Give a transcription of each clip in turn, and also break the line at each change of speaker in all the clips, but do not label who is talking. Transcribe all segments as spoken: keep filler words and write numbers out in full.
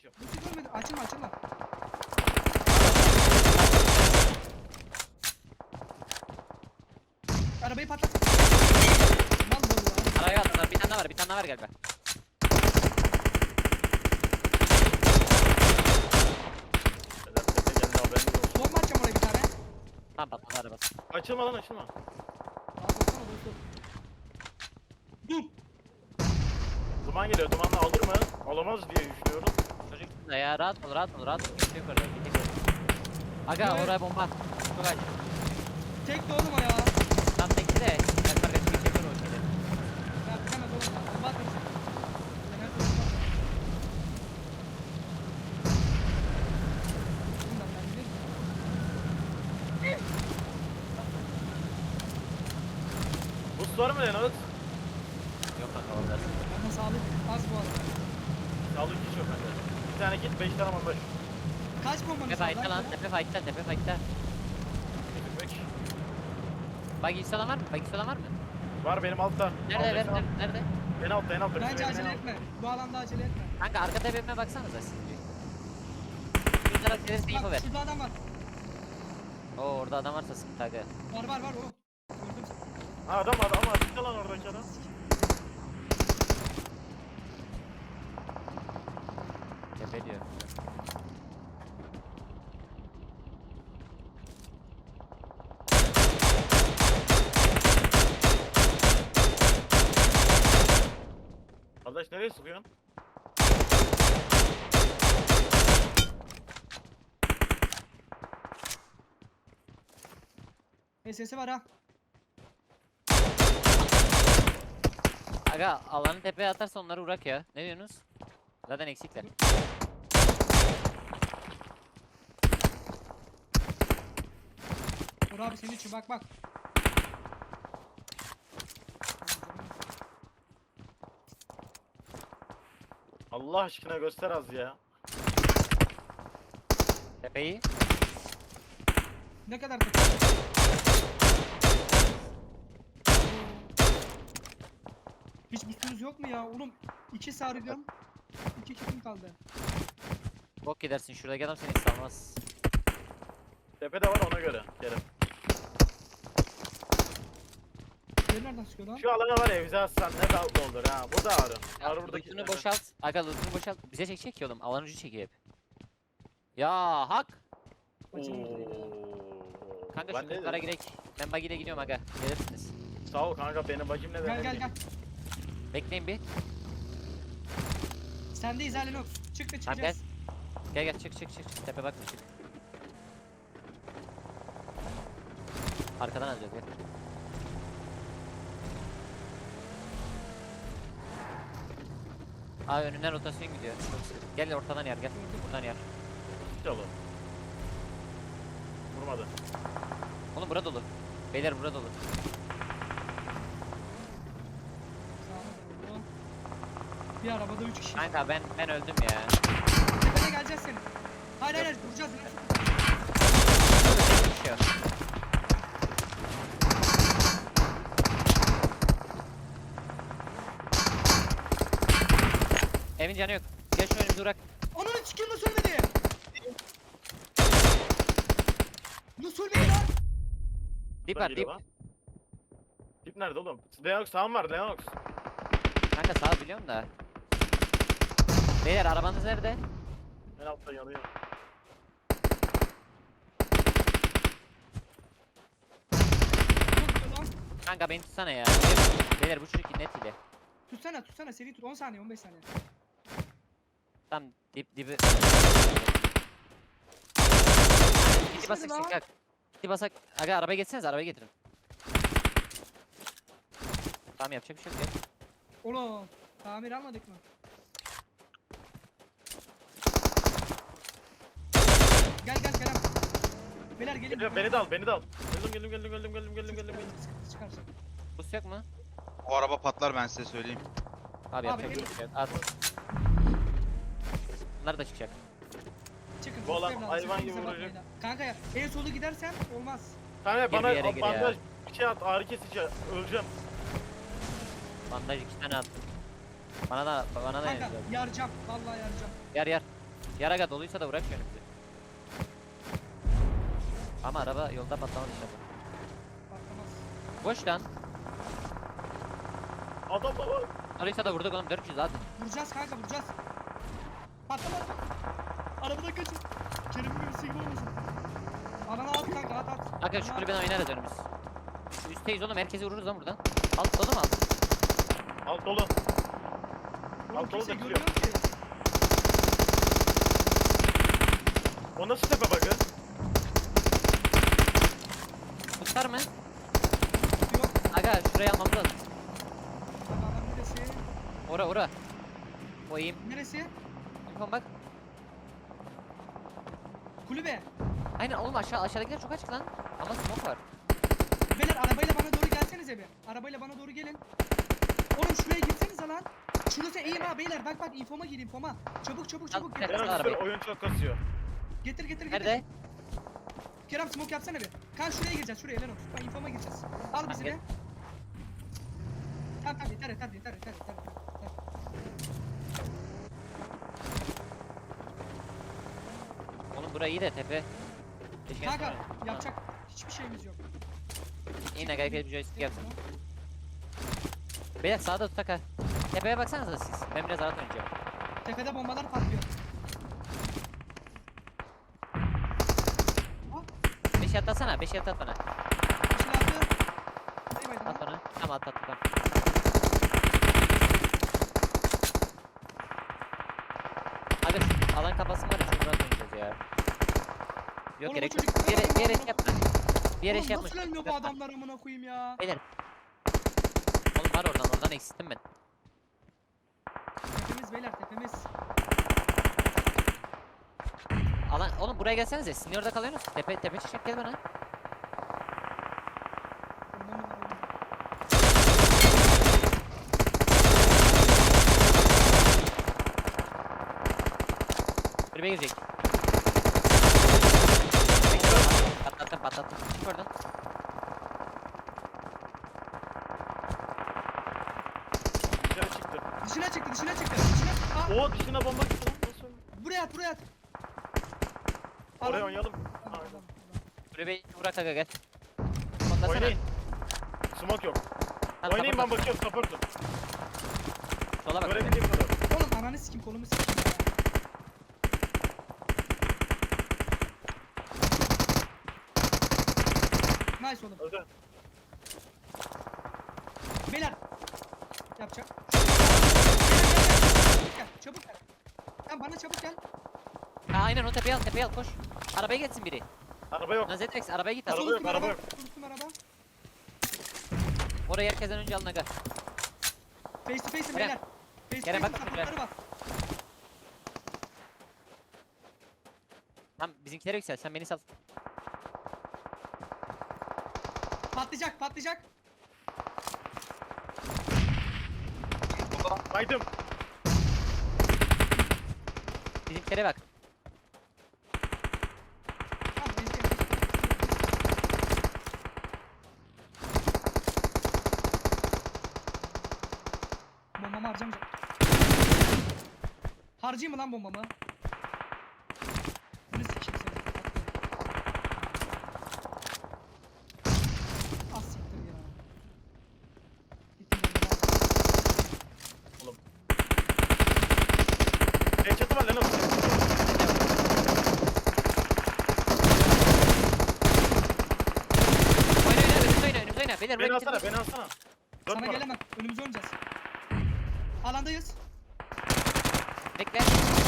Açıyorum.
Nasıl görmedim? Açılma açılma. Arabayı patlat. Mal bu ya.
Araya attılar. Bir tane daha var. Bir tane daha var galiba.
Beyler tepe geldi haberiniz olsun.
Bomba atacağım oraya bir tane.
Tamam patladı araba.
Açılma lan açılma.
Rahat olsana dostum. Dur.
Duman geliyor. Dumanla alır mı? Alamaz diye düşünüyorum.
Çocuk da ya rahat ol rahat ol rahat ol. Kimse yok orada. Bir tek yok. Aga
Evet.
oraya bomba. Çok acı.
Tek de oğlum o ya.
Tam tekli de. Ben kardeşim geçemiyor o şeyleri.
Ya bitemez oğlum ya. Bomba atarım. Sen her türlü bomba at. Bundan ben giderim.
Boost var mı Lenot?
Yok kanka orada.
Ama sağlık az bu arada.
Sağlık hiç yok bende. Bir tane git beş tane bandaj.
Kaç bombanız
Tepe
var
fight'ta lan.
lan?
Tepe fight'ta. Tepe fight'ta.
Getirmek.
Buggy olan var mı? Buggy olan var mı?
Var benim altta.
Nerede?
Al,
Nerede?
al.
Nerede?
En altta en altta.
Bence
Bizim evin en
acele
altta.
etme. Bu alanda acele etme.
Kanka arka tepeme baksanıza siz. Bir taraf gelirse info
Bak
ver.
şurada adam var.
Oo orada adam varsa sıkıntı aga.
Var var var oğlum. Gördüm seni.
Ha adam adam ama açıkta lan oradaki adam.
Tepe diyor.
Kardeş nereye sıkıyorsun?
S S'i var ha.
Aga alanı tepeye atarsa onları uğrak ya. Ne diyorsunuz? Zaten eksikler.
Dur abi senin için bak bak.
Allah aşkına göster az ya.
Tepeyi.
Ne kadar kötü. Hiç boostunuz yok mu ya? Oğlum iki sarıyorum. İki kitim kaldı.
Bok gidersin şuradaki adam seni salmaz.
Tepede var ona göre. Kerem.
Beni nereden sıkıyor lan?
Şu alana var ya bize atsan ne tatlı olur ha. Bu da ağrı.
Ya,
Ağrı buradaki.
lootunu boşalt. Aga lootunu boşalt. Bize çekecek ki oğlum. Alan ucu çekiyor hep. Ya hak.
Başım ağrıyor.
Oo.
Kanka
Ben
şu
ne
lootlara
dedim?
girek. Ben buggy'le gidiyorum aga. Gelirsiniz.
Sağ ol kanka benim bacım ne
Gel
demek?
gel gel.
Bekleyin bir.
Sendeyiz Halil Çık da
Tamam gel.
çıkacağız.
Gel gel çık çık çık. çık. Tepe bakma çık. Arkadan alacağız gel. Aa önünden rotasyon gidiyor. Çok sıkı. Gel ortadan yer gel. Buradan yer.
Çalı. Vurmadı.
Oğlum bura dolu. Beyler bura dolu.
Sağına doğru. Bir arabada üç kişi.
Kanka ben ben öldüm ya.
Tepene geleceğiz senin. Hayır hayır hayır, vuracağız.
Bir şey yok. Evin canı yok. Gel şu önümüze uğrak.
Ananı çıkayım nasıl ölmedi? Nasıl ölmedi lan?
Dip
Buradan
var
geliyor
dip.
lan. Dip nerede oğlum? Leonox sağım var Leonox.
Kanka sağ biliyorum da. Beyler arabanız nerede?
En altta yanıyor.
Çok güzel lan.
Kanka beni tutsana ya. Beyler bu çocuk net ile.
Tutsana tutsana seri tut on saniye on beş saniye.
Tam dip dibi. Dip basak
lan.
çıkak. Dip basak. Aga arabaya geçseniz arabaya getirin. Tamam yapacak bir şey yok. Gel.
Oğlum tamir almadık mı? Gel gel Kerem. Beyler gelin.
Geliyor, beni de al beni de al. Geldim geldim geldim geldim geldim geldim geldim. geldim.
Sıkıntı çıkarsa.
Bus yok mu?
O araba patlar ben size söyleyeyim.
Abi yapacak
Abi,
bir şey yok. At. Bunlar da çıkacak.
Çıkın.
Bu olan
evladım,
hayvan
sakın
gibi
bize
vuracak.
bakmayın ha. Kanka ya en solu gidersen olmaz.
Kanka
Gir
bana
bir yere gir ya.
bandaj bir şey at ağrı kesici öleceğim.
Bandaj iki tane attım. Bana da bana da
Kanka
yazıyor.
yaracağım. Vallahi yaracağım.
Yer yer. Yaraga doluysa da bırak önümüzü. Ama araba yolda patlamadı inşallah.
Patlamaz.
Boş lan.
Adam da var.
Doluysa da vurduk oğlum dört yüz zaten.
Vuracağız kanka vuracağız. Patlama. Arabadan kaçın. Kerem'in birisi gibi olmasın. Alana at kanka at at.
Kanka şu
Alana
kulübeden oynarız önümüz. Şu üstteyiz oğlum herkesi vururuz lan buradan. Alt dolu mu alt?
Alt dolu.
at. Oğlum
Alt dolu
kimse
da
görmüyor ki.
O nasıl tepe bakı?
Tutar mı?
Yok.
Aga şurayı almamız lazım.
Kanka adam neresi?
Ora ora. Koyayım.
Neresi?
İnfom bak.
Kulübe.
Aynen oğlum aşağı aşağıdakiler çok açık lan. Ama smoke var.
Beyler arabayla bana doğru gelsenize bir. Arabayla bana doğru gelin. Oğlum şuraya girsenize lan. Şurası eğim ha beyler bak bak infoma gir infoma. Çabuk çabuk çabuk
Al,
getir.
Kerem,
Kerem
arabayı.
üstüne oyun çok kasıyor.
Getir getir getir.
Nerede?
Kerem smoke yapsana bir. Kan şuraya gireceğiz şuraya Leno. Bak infoma gireceğiz. Al bizi
gel.
de. Tamam tamam yeter yeter yeter yeter yeter. yeter.
Oğlum burayı iyi de tepe. Keşke
Kanka
sonra-
yapacak hiçbir şeyimiz yok.
Yine gayet bir joystick yapsın. Beyler sağda tutak ha. Tepeye baksanıza siz. Ben biraz rahat oynayacağım.
Tepede bombalar patlıyor.
beş yat atsana. beş yat at bana.
Silahlı. Bay bay
At bana. Tamam at at tamam. Aga şu alan kapasın var ya çok rahat oynayacağız ya. Yok
Oğlum
gerek
o
yok.
çocuk-
Bir yere, bir yere
Oğlum,
şey yapma. Bir yere
Oğlum
şey yapma.
nasıl ölmüyor bu adamlar amına koyayım ya?
Beyler. Oğlum var oradan oradan eksilttim ben.
Tepemiz beyler tepemiz.
Alan oğlum buraya gelsenize. Sizin orada kalıyorsunuz. Tepe tepe çiçek gel bana.
Ondan mı var oğlum?
Kulübe girecek. Patlattım patlattım. Çık oradan.
Dışarı çıktı.
Dışına çıktı dışına çıktı. Dışına. Aa,
Oo dışına bomba gitti lan. Nasıl?
buraya at buraya at.
Oraya
Adam-
oynayalım.
Adam-
Aynen.
adam-
Kulübeyi bırak aga gel. Patlasana.
Oynayın. Smoke yok.
Tamam,
Oynayın ben
support at.
bakıyorum supportum.
Sola bak.
Görebildiğim kadar.
Oğlum ananı sikim kolumu sikim ya. Nice oğlum.
Öldü.
Beyler. Yapacak. Gel çabuk gel. Sen bana çabuk gel.
Ha aynen o tepeye al tepeye al koş. Arabaya geçsin biri.
Araba yok.
Lan Zedrex arabaya git
Araba
abi.
yok,
Unuttum
araba yok.
Unuttum araba.
Orayı herkesten önce alın aga.
Face to face'im
Kerem.
beyler. Face to
Kerem,
face'im
bak
sapıkları
şuraya.
var.
Tamam bizimkilere yüksel sen beni sal.
Patlayacak patlayacak.
Kaydım.
Bizimkilere bak.
Tamam ezdi. Bombamı harcamayacağım. Harcayayım mı lan bombamı? Bunu sikeyim seni. Az siktir ya. Gittim bombalar.
Headshot'ı var lan oğlum.
Oyna oyna önümüze oyna önümüze oyna. Beyler
Beni
buraya
alsana
gidin.
beni alsana. Dört
Sana
numara.
gelemem. Önümüze oynayacağız. Alandayız.
Bekle.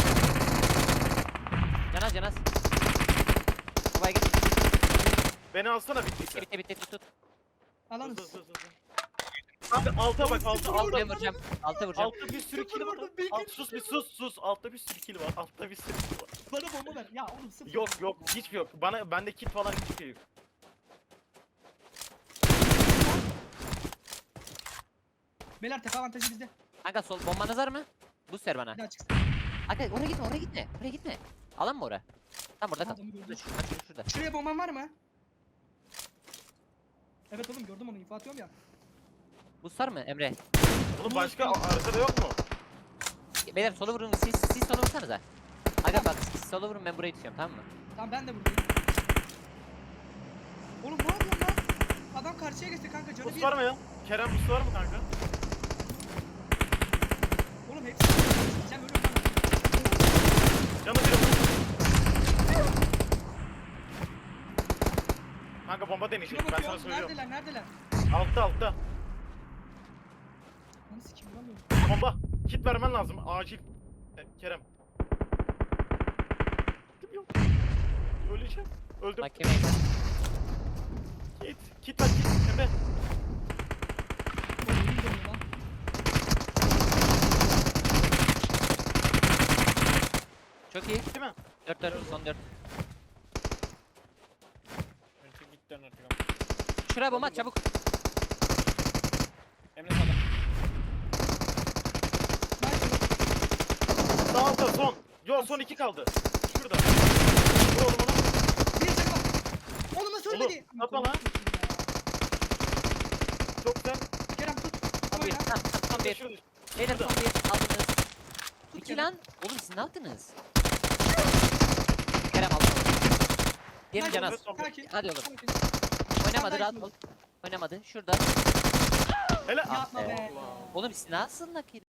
Canaz canaz. Babaya git.
Beni alsana bittiyse.
Bitti bitti tut tut.
Alanız.
Hızlı hızlı hızlı. Abi alta bak alta alta.
Altıya vuracağım. Altıya vuracağım.
Altta bir sürü kill var.
Vurdum, bir
Alt,
kill
sus bir sus sus. Altta bir sürü kill var. Altta bir sürü kill var.
Bana bomba ver. Ya oğlum sıfır.
Yok yok hiçbir yok. Bana bende kit falan hiçbir şey yok.
Beyler tepe avantajı bizde.
Kanka sol bombanız var mı? Boost ver bana.
Bir daha çıksın.
Kanka oraya gitme oraya gitme. Oraya gitme. Alan mı ora? Tam burada kal.
Adamı gördüm.
Şurada şurada şurada. şurada.
Şuraya bomban var mı? Evet oğlum gördüm onu info atıyorum ya.
Boost var mı Emre?
Oğlum başka arkada yok mu?
Beyler sola vurun. Siz siz sola vursanıza. Aga bak siz sola vurun ben burayı tutuyorum tamam mı?
Tamam ben de buradayım. Oğlum ne yapıyorsun lan? Adam karşıya geçti kanka canı
Bus
bir.
var mı ya? Kerem bus var mı kanka?
Oğlum hepsi sen ölüm bana.
Canı biri bus. Kanka bomba deneyecek
Şuna
ben sana
bakıyorum.
söylüyorum.
Neredeler neredeler?
Altta altta.
Lan sikim vuramıyorum.
Bomba. Kit vermen lazım acil. E, Kerem. Kitim yok. Öleceğim. Öldüm.
Mahkemeye gel.
Kit. Kit ver kit. Emre.
Oğlum ölüm dönüyor lan.
Çok iyi.
Değil mi?
dört dört son dört.
Önce git dön artık.
Şuraya bomba at çabuk.
Emre sağda.
Nice.
Sağ altta son. Yo son iki kaldı. Şurada. Vur oğlum onu.
Bir canı var. Oğlum nasıl
Oğlum,
ölmedi?
atma lan. Çok güzel.
Kerem tut.
Son bir.
Oyna.
Tamam son bir.
Şurada.
Beyler son bir. Aldınız.
Tut
İki
Kerem.
lan. Oğlum siz ne yaptınız? Kerem aldın. Diğerini
Nice.
can az.
Sakin.
Hadi oğlum.
Sakin.
Oynamadı
Nice
rahat
oldu.
ol. Oynamadı. Şurada.
Hele.
Ah
Yapma
be.
be.
Oğlum siz nasıl nakil?